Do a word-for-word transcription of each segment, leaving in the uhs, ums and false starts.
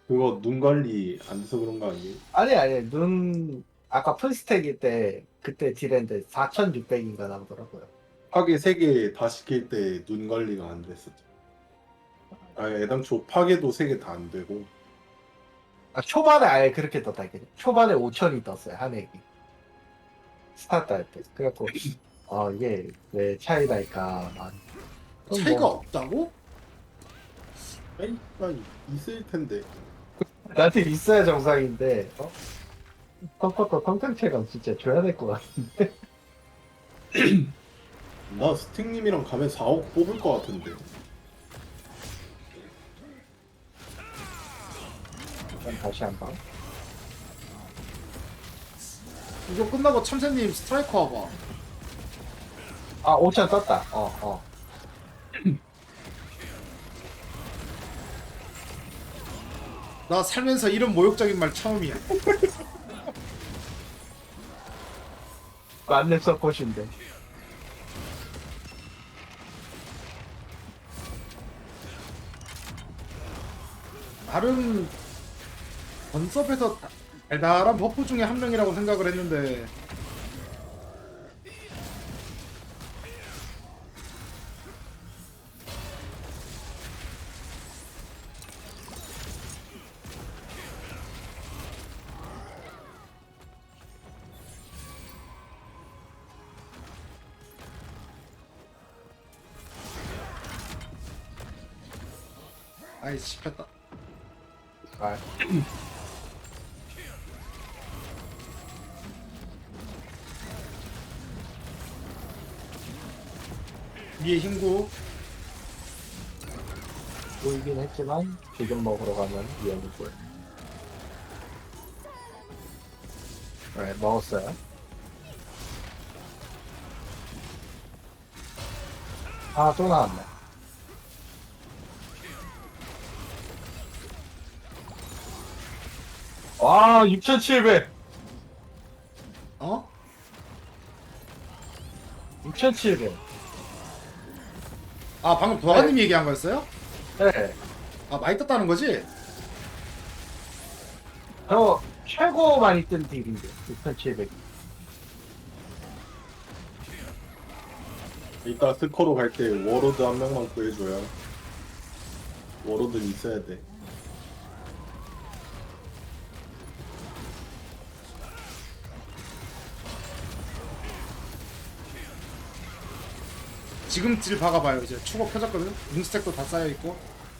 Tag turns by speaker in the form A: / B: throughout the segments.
A: 그거 눈 관리 안 돼서 그런 거 아니에요?
B: 아니 아니 눈 아까 풀스택일 때 그때 딜했는데 사천육백인가 나오더라고요.
A: 파괴 세 개 다 시킬 때 눈 관리가 안 됐었죠. 아, 애당초 파괴도 세 개 다 안 되고.
B: 아, 초반에 아예 그렇게 떴다 이게. 초반에 오천이 떴어요 한 액이. 스타트 할 때. 그래갖고 어 이게 왜 차이 날까. 아, 그럼
C: 차이가
B: 뭐,
C: 없다고?
A: 차이가 있을 텐데.
B: 나한테 있어야 정상인데 어? 컴퓨터 성장체감 진짜 줘야 될 것 같은데.
A: 나 스틱님이랑 가면 사억 뽑을 것 같은데.
B: 그럼 다시 한번.
C: 이거 끝나고 참새님 스트라이커 와봐.
B: 아 오천 떴다. 어 어.
C: 나 살면서 이런 모욕적인 말 처음이야.
B: 만렙 서폿인데.
C: 나름 건섭에서 달달한 버프 중에 한 명이라고 생각을 했는데 아이 씹혔다.
B: 아,
C: 위에 흰구.
B: 보이긴 했지만 지금 먹으러 가면 위험이고요. 네 먹었어요. 아 또 나왔네. 와 육천칠백.
C: 어?
B: 육천칠백.
C: 아 방금 도화님 얘기한 거였어요?
B: 네.
C: 아 많이 떴다는 거지?
B: 저 최고 많이 뜬 딜인데 육천칠백.
A: 이따 스커로 갈 때 워로드 한 명만 구해줘야. 워로드는 있어야 돼.
C: 지금 딜 박아봐요. 이제 추가 펴졌거든. 링스택도 다 쌓여있고.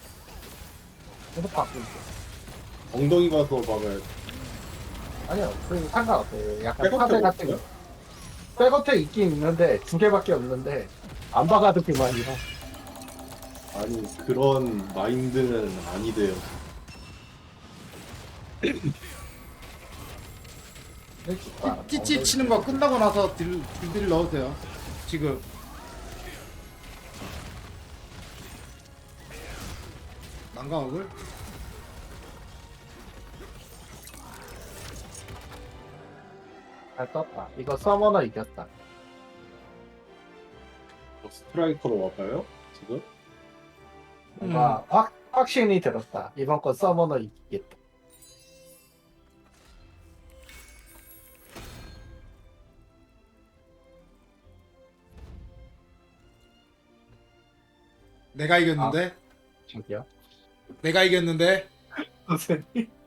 B: 계속 바꾸고.
A: 엉덩이 가서 막아야 돼.
B: 아니요, 그 상관없어요. 약간
A: 백어택
B: 파대 같은 거.
A: 없어요?
B: 백어택 있긴 있는데 두 개밖에 없는데 안 박아도 그만이라.
A: 아니, 그런 마인드는 아니대요.
C: 찌찌 치는 거 끝나고 나서 딜, 딜 넣어도 돼요. 지금. 난강억을?
B: 잘 떴다. 이거 서머너 이겼다.
A: 스트라이커로 와봐요, 지금?
B: 뭔가 확, 확신이 들었다. 이번 건 서머너 이기겠다.
C: 내가 이겼는데?
B: 저기요.
C: 내가 이겼는데?
B: 선생님.